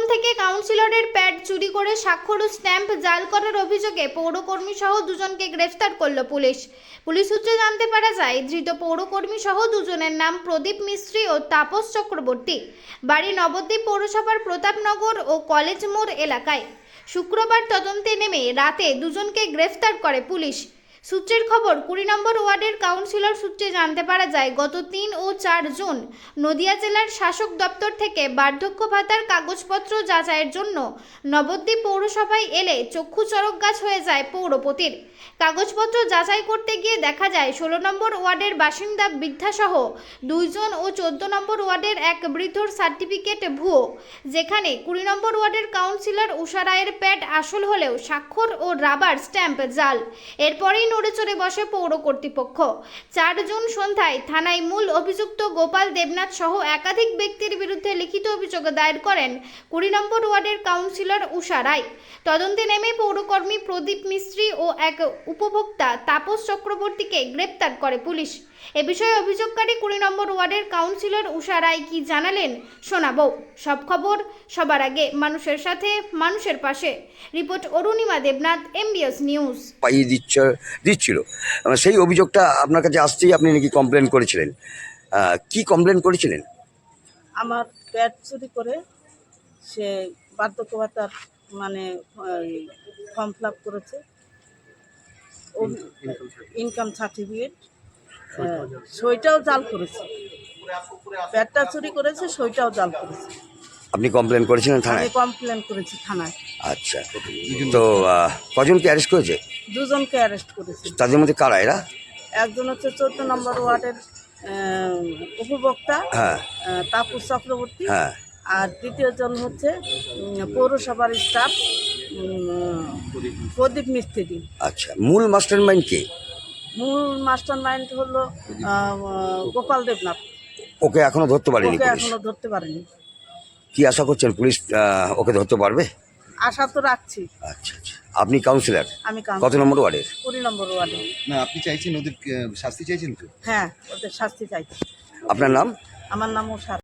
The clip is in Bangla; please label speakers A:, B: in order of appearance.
A: থেকে কাউন্সিলরের প্যাড চুরি করে স্বাক্ষর ও স্ট্যাম্প জাল করার অভিযোগে পৌরকর্মী সহ দুজনকে গ্রেফতার করল পুলিশ। পুলিশ সূত্রে জানতে পারা যায়, ধৃত পৌরকর্মী সহ দুজনের নাম প্রদীপ মিস্ত্রি ও তাপস চক্রবর্তী, বাড়ি নবদ্বীপ পৌরসভার প্রতাপনগর ও কলেজ মোড় এলাকায়। শুক্রবার তদন্তে নেমে রাতে দুজনকে গ্রেফতার করে পুলিশ। সূত্রের খবর, 20 নম্বর ওয়ার্ডের কাউন্সিলর সূত্রে জানতে পারা যায়, গত 3 ও 4 জুন নদিয়া জেলার শাসক দপ্তর থেকে বার্ধক্য ভাতার কাগজপত্র যাচাইয়ের জন্য নবদ্বীপ পৌরসভায় এলে চক্ষু চড়ক গাছ হয়ে যায় পৌরপতির। কাগজপত্র যাচাই করতে গিয়ে দেখা যায় 16 নম্বর ওয়ার্ডের বাসিন্দা বৃদ্ধাসহ 2 জন ও 14 নম্বর ওয়ার্ডের এক বৃদ্ধর সার্টিফিকেট ভুয়ো, যেখানে 20 নম্বর ওয়ার্ডের কাউন্সিলর উষা রায়ের প্যাড আসল হলেও স্বাক্ষর ও রাবার স্ট্যাম্প জাল। এরপরেই নড়ে চড়ে বসে পৌর কর্তৃপক্ষ। 4 জুন সন্ধ্যায় থানায় মূল অভিযুক্ত গোপাল দেবনাথ সহ একাধিক ব্যক্তির বিরুদ্ধে লিখিত অভিযোগ দায়ের করেন 20 নম্বর ওয়ার্ডের কাউন্সিলর উষা রায়। তদন্তে নেমে পৌরকর্মী প্রদীপ মিস্ত্রি ও এক উপভোক্তা তাপস চক্রবর্তীকে গ্রেপ্তার করে পুলিশ। এ বিষয়ে অভিযোগকারী 20 নম্বর ওয়ার্ডের কাউন্সিলর উষা রায় কি জানালেন শোনাবো। সব খবর সবার আগে, মানুষের সাথে, মানুষের পাশে। Report Arunima Debnath, MBS news.
B: পাইয়ে দিচ্ছিল সেই অভিযোগটা আপনার কাছে আসতেই আপনি নাকি কমপ্লেন করেছিলেন। কি কমপ্লেন করেছিলেন?
C: আমার প্যাড চুরি করে সে বার্ধক্য ভাতার মানে ফর্ম ফিল আপ করেছে, ইনকাম সার্টিফিকেট, সইটাও জাল করেছে। প্যাডটা চুরি করেছে, সইটাও জাল করেছে।
B: আপনি কমপ্লেন করেছিলেন
C: আমি
B: থানায়?
C: কমপ্লেন করেছি থানায়।
B: আচ্ছা, তো কজনকে অ্যারেস্ট করেছে?
C: 2 জনকে অ্যারেস্ট করেছে।
B: তাদের মধ্যে কারা এরা?
C: একজন হচ্ছে 14 নম্বর ওয়ার্ডের উপভোক্তা
B: হ্যাঁ
C: তাপস চক্রবর্তী,
B: হ্যাঁ।
C: আর দ্বিতীয় জন হচ্ছে পৌরসভার স্টাফ প্রদীপ মিস্ত্রি।
B: আচ্ছা, মূল মাস্টার মাইন্ড কে?
C: মূল মাস্টার মাইন্ড হলো গোপাল দেবনাথ।
B: ওকে এখনো ধরতে পারেনি
C: ওকে
B: পুলিশ?
C: এখনো ধরতে পারেনি।
B: কি আশা করছেন পুলিশ ওকে ধরতে পারবে?
C: আশা তো রাখছি।
B: আচ্ছা আচ্ছা, আপনি কাউন্সিলর
C: আমি
B: কত নম্বর ওয়ার্ডের?
C: 20 নম্বর ওয়ার্ডে।
D: না, আপনি চাইছেন ওদের শাস্তি চাইছেন তো?
C: হ্যাঁ, ওদের শাস্তি চাইছি।
B: আপনার নাম?
C: আমার নাম উষা।